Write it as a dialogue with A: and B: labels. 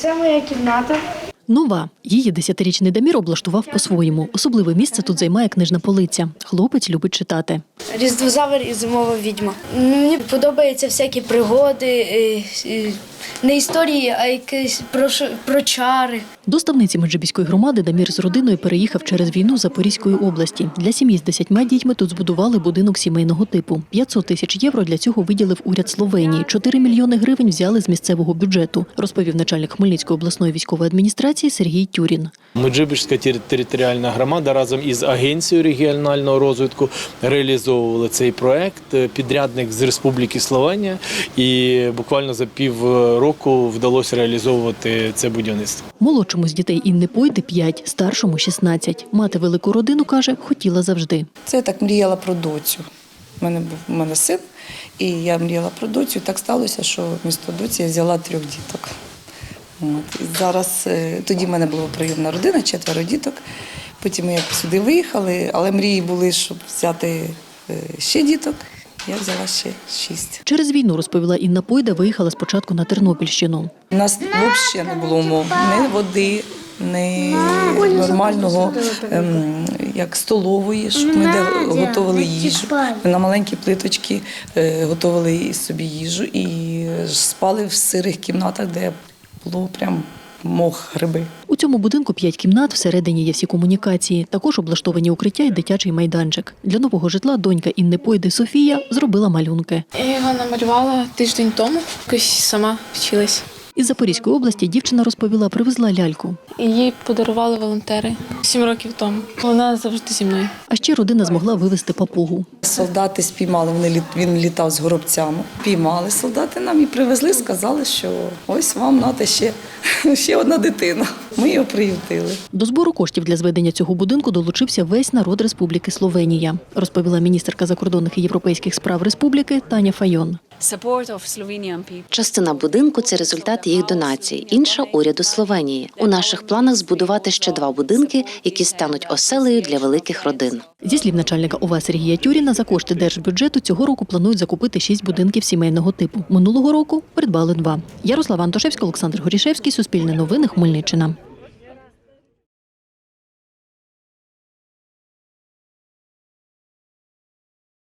A: Це моя кімната.
B: Нова. Її 10-річний Дамір облаштував по-своєму. Особливе місце тут займає книжна полиця. Хлопець любить читати.
A: Різдвозавр і зимова відьма. Мені подобаються всякі пригоди, не історії, а якісь про чари.
B: До ставниці Меджибіської громади Дамір з родиною переїхав через війну з Запорізької області. Для сім'ї з 10 дітьми тут збудували будинок сімейного типу. 500 тисяч євро для цього виділив уряд Словенії. 4 мільйони гривень взяли з місцевого бюджету, розповів начальник Хмельницької обласної військової адміністрації Сергій Тюрін.
C: Меджибіжська територіальна громада разом із Агенцією регіонального розвитку реалізовували цей проект. Підрядник з Республіки Словенія, і буквально за півроку вдалося реалізовувати це будівництво.
B: Молодшому з дітей Інни Пойди 5, старшому 16. Мати велику родину, каже, хотіла завжди.
D: Це я так мріяла про доцю. У мене син, і я мріяла про доцю. І так сталося, що вмісто доці я взяла 3 діток. І зараз, тоді в мене була прийомна родина, 4 діток. Потім ми сюди виїхали, але мрії були, щоб взяти ще діток. Я взяла ще 6.
B: Через війну, розповіла Інна Пойда, виїхала спочатку на Тернопільщину.
D: У нас взагалі не було умов, ні води, ні нормального, як столової, щоб ми готували їжу. Ми на маленькі плиточки готували собі їжу і спали в сирих кімнатах, де було прям мох, гриби.
B: У цьому будинку 5 кімнат, всередині є всі комунікації. Також облаштовані укриття і дитячий майданчик. Для нового житла донька Інни Пойди Софія зробила малюнки.
E: Я його намалювала тиждень тому, якось сама вчилась.
B: Із Запорізької області дівчина розповіла, привезла ляльку.
E: Її подарували волонтери 7 років тому. Вона завжди зі мною.
B: А ще родина змогла вивезти папугу.
D: Солдати спіймали, він літав з горобцями. Піймали солдати нам і привезли, сказали, що ось вам нате ще одна дитина. Ми його приютили.
B: До збору коштів для зведення цього будинку долучився весь народ Республіки Словенія, розповіла міністерка закордонних і європейських справ республіки Таня Файон.
F: Частина будинку – це результат їх донацій, інша – уряду Словенії. У наших планах збудувати ще 2 будинки, які стануть оселею для великих родин.
B: Зі слів начальника ОВА Сергія Тюріна, за кошти держбюджету цього року планують закупити 6 будинків сімейного типу. Минулого року придбали 2. Ярослава Антошевська, Олександр Горішевський, Суспільне новини, Хмельниччина.